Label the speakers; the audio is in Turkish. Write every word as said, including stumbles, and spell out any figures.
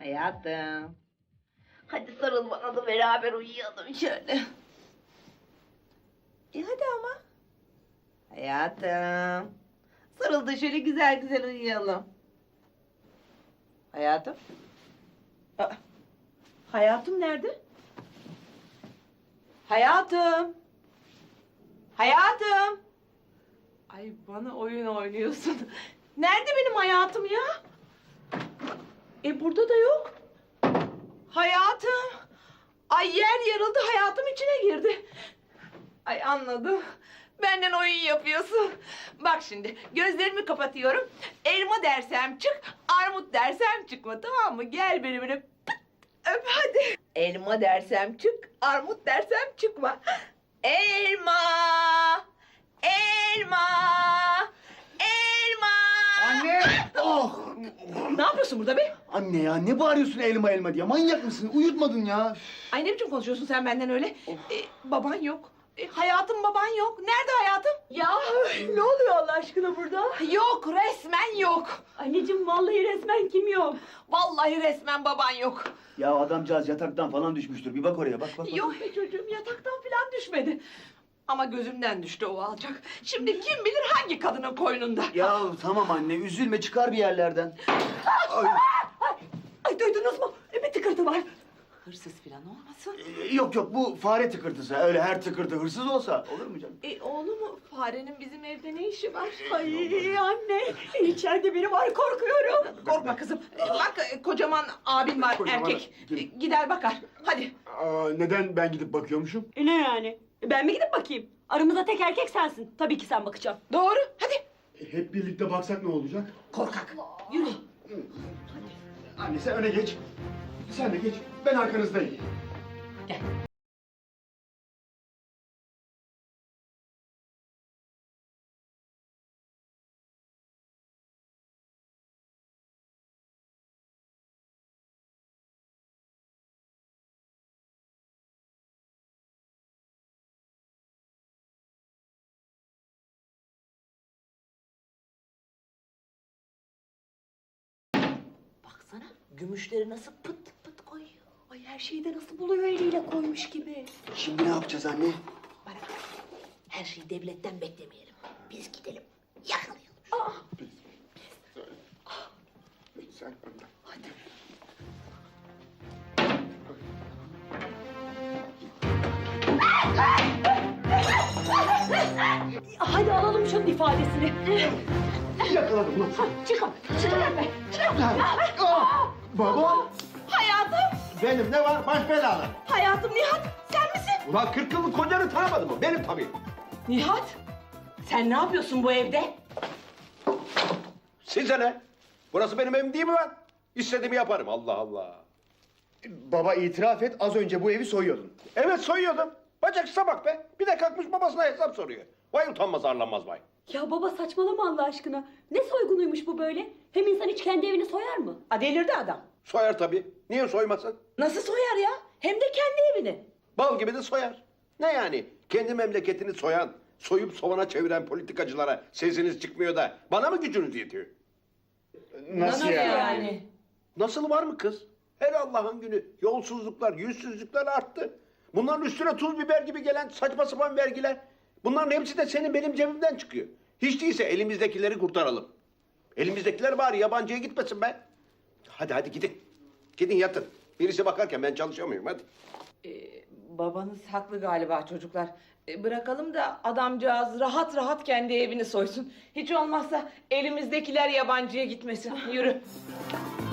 Speaker 1: Hayatım. Hadi sarıl bana da beraber uyuyalım şöyle. E hadi ama. Hayatım. Sarıl da şöyle güzel güzel uyuyalım. Hayatım. Aa, hayatım nerede? Hayatım. Hayatım. Ay bana oyun oynuyorsun. Nerede benim hayatım ya? E burada da yok. Hayatım. Ay yer yarıldı, hayatım içine girdi. Ay anladım. Benden oyun yapıyorsun. Bak şimdi gözlerimi kapatıyorum. Elma dersem çık, armut dersem çıkma, tamam mı? Gel beni böyle pıt, öp hadi. Elma dersem çık, armut dersem çıkma. Elma, elma, elma.
Speaker 2: Anne! Oh!
Speaker 1: Ne yapıyorsun burada be?
Speaker 2: Anne ya ne bağırıyorsun elma elma diye? Manyak mısın? Uyutmadın ya.
Speaker 1: Ay ne biçim konuşuyorsun sen benden öyle? Ee, baban yok. Ee, hayatım baban yok. Nerede hayatım?
Speaker 3: Ya ne oluyor Allah aşkına burada?
Speaker 1: Yok, resmen yok.
Speaker 3: Anneciğim vallahi resmen kim yok?
Speaker 1: Vallahi resmen baban yok.
Speaker 2: Ya adamcağız yataktan falan düşmüştür. Bir bak oraya bak bak. bak.
Speaker 1: Yok be çocuğum, yataktan falan düşmedi. Ama gözümden düştü o alçak. Şimdi kim bilir hangi kadının koynunda.
Speaker 2: Ya tamam anne üzülme çıkar bir yerlerden. Ay,
Speaker 3: Ay duydunuz mu? E, bir tıkırtı var.
Speaker 1: Hırsız falan olmasın.
Speaker 2: e, yok yok bu fare tıkırtısı. Öyle her tıkırtı hırsız olsa olur mu canım?
Speaker 1: E oğlum, farenin bizim evde ne işi var?
Speaker 3: Ay anne içeride biri var korkuyorum.
Speaker 1: Korkma kızım. E, bak e, kocaman abin var,
Speaker 2: Kocaman
Speaker 1: erkek.
Speaker 2: kim?
Speaker 1: E, gider bakar. Hadi.
Speaker 4: Aa, neden ben gidip bakıyormuşum?
Speaker 3: E, ne yani? E, ben mi gidip bakayım? Aramızda tek erkek sensin. Tabii ki sen bakacaksın.
Speaker 1: Doğru. Hadi.
Speaker 4: E, hep birlikte baksak ne olacak?
Speaker 1: Korkak. Yürü.
Speaker 4: Anne sen öne geç. Sen de geç. Ben arkanızdayım.
Speaker 1: Gel. Baksana, gümüşleri nasıl pıt pıt koyuyor.
Speaker 3: Ay her şeyi de nasıl buluyor eliyle koymuş gibi.
Speaker 2: Şimdi ne yapacağız anne?
Speaker 1: Bana bak, her şeyi devletten beklemeyelim. Biz gidelim, yakalayalım.
Speaker 4: Sen önden.
Speaker 3: Hadi alalım şunun ifadesini.
Speaker 4: Yakaladım lan.
Speaker 3: Çıkın, çıkın be.
Speaker 4: Aa, baba.
Speaker 1: Hayatım,
Speaker 4: Benim ne var? Baş belalı.
Speaker 1: hayatım Nihat, sen misin?
Speaker 4: Ulan kırk yıllık kocanı tanımadın mı? Benim tabii.
Speaker 1: Nihat, sen ne yapıyorsun bu evde?
Speaker 5: Size ne? Burası benim evim değil mi lan? İstediğimi yaparım Allah Allah.
Speaker 4: Baba itiraf et az önce bu evi soyuyordun.
Speaker 5: Evet soyuyordum. Bacaksıza bak be. Bir de kalkmış babasına hesap soruyor. Vay utanmaz arlanmaz vay.
Speaker 3: Ya baba saçmalama Allah aşkına. Ne soygunuymuş bu böyle? Hem insan hiç kendi evini soyar mı?
Speaker 1: A, delirdi adam.
Speaker 5: Soyar tabii. Niye soymasın?
Speaker 1: Nasıl soyar ya? Hem de kendi evini.
Speaker 5: Bal gibi de soyar. Ne yani? Kendi memleketini soyan, soyup sovana çeviren politikacılara sesiniz çıkmıyor da bana mı gücünüz yetiyor?
Speaker 4: Nasıl ya?
Speaker 5: Nasıl var mı kız? Her Allah'ın günü yolsuzluklar, yüzsüzlükler arttı. Bunların üstüne tuz biber gibi gelen saçma sapan vergiler. Bunların hepsi de senin benim cebimden çıkıyor. Hiç değilse elimizdekileri kurtaralım. Elimizdekiler bari yabancıya gitmesin be. Hadi hadi gidin. Gidin yatın. Birisi bakarken ben çalışamıyorum hadi.
Speaker 1: Ee, babanız haklı galiba çocuklar. Ee, bırakalım da adamcağız rahat rahat kendi evini soysun. Hiç olmazsa elimizdekiler yabancıya gitmesin. Yürü.